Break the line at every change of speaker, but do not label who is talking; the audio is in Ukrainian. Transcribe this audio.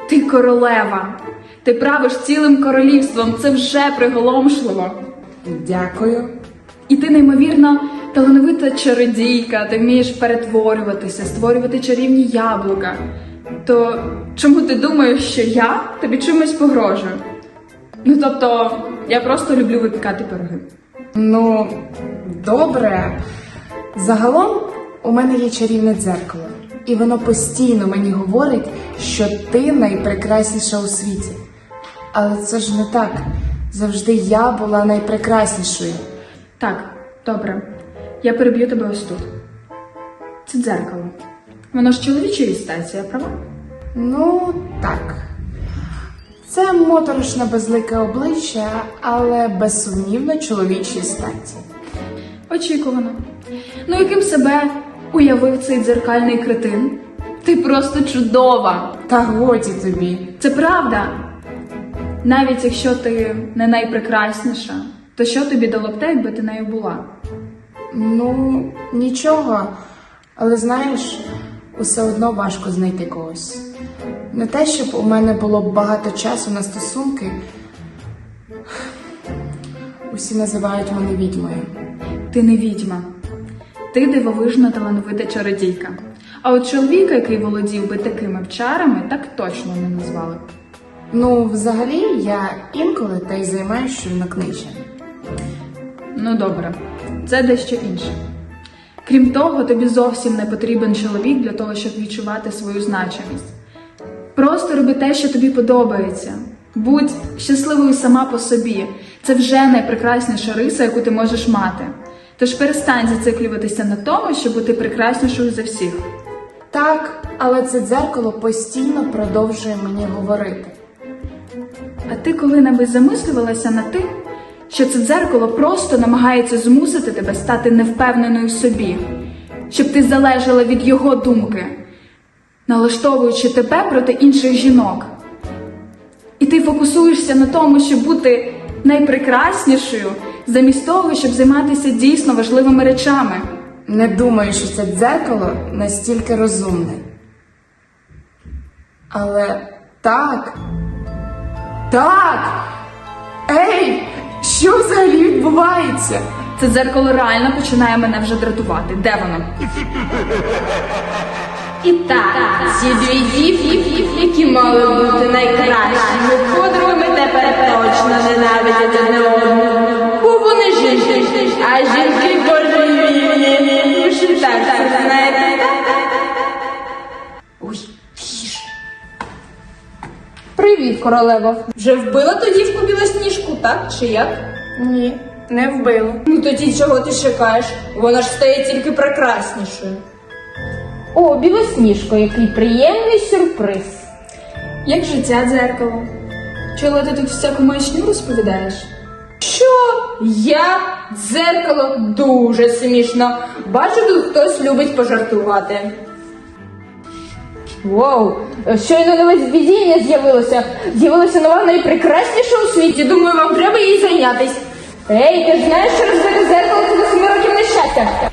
Ти королева. Ти правиш цілим королівством. Це вже приголомшливо.
Дякую.
І ти неймовірно талановита чародійка. Ти вмієш перетворюватися, створювати чарівні яблука. То чому ти думаєш, що я тобі чимось погрожую? Ну, тобто, я просто люблю випікати пироги.
Ну, добре. Загалом у мене є чарівне дзеркало. І воно постійно мені говорить, що ти найпрекрасніша у світі. Але це ж не так. Завжди я була найпрекраснішою.
Так, добре. Я переб'ю тебе ось тут. Це дзеркало. Воно ж чоловічої статі, я права?
Ну, так. Це моторошне безлике обличчя, але безсумнівно чоловічої статі.
Очікувано. Ну, яким себе уявив цей дзеркальний кретин? Ти просто чудова.
Та годі тобі.
Це правда. Навіть якщо ти не найпрекрасніша, то що тобі дало б те, якби ти нею була?
Ну, нічого. Але знаєш, усе одно важко знайти когось. Не те, щоб у мене було багато часу на стосунки. Усі називають мене відьмою.
Ти не відьма. Ти дивовижна талановита чародійка. А от чоловіка, який володів би такими чарами, так точно не назвали б.
Ну, взагалі, я інколи та й займаюся чорнокнижем.
Ну добре, це дещо інше. Крім того, тобі зовсім не потрібен чоловік для того, щоб відчувати свою значимість. Просто роби те, що тобі подобається. Будь щасливою сама по собі. Це вже найпрекрасніша риса, яку ти можеш мати. Тож перестань зациклюватися на тому, щоб бути прекраснішою за всіх.
Так, але це дзеркало постійно продовжує мені говорити.
А ти коли-небудь замислювалася над тим, що це дзеркало просто намагається змусити тебе стати невпевненою в собі, щоб ти залежала від його думки, налаштовуючи тебе проти інших жінок. І ти фокусуєшся на тому, щоб бути найпрекраснішою, замість того, щоб займатися дійсно важливими речами.
Не думаю, що це дзеркало настільки розумне. Але так. Так! Ей! Що взагалі відбувається?
Це дзеркало реально починає мене вже дратувати. Де воно?
І так, ці дві дівки, які мали бути найкращими подругами, тепер точно ненавидять одне одного. Бо вони жінки, а жінки божевільні. Ви ж і так це знаєте.
Ой, тише.
Привіт, королево. Вже вбила ту дівку Білосніжку, так чи як?
Ні, не вбило.
Ну тоді чого ти чекаєш? Вона ж стає тільки прекраснішою. О, Білосніжко, який приємний сюрприз.
Як життя дзеркало? Чула, ти тут всяку маячню розповідаєш?
Що? Я? Дзеркало? Дуже смішно. Бачу, тут хтось любить пожартувати. Вау, щойно нове видіння з'явилося. З'явилася нова найпрекрасніша у світі. Думаю, вам треба їй зайнятись. Ей, ти ж знаєш, що розбите зеркало це до 7 років нещастя.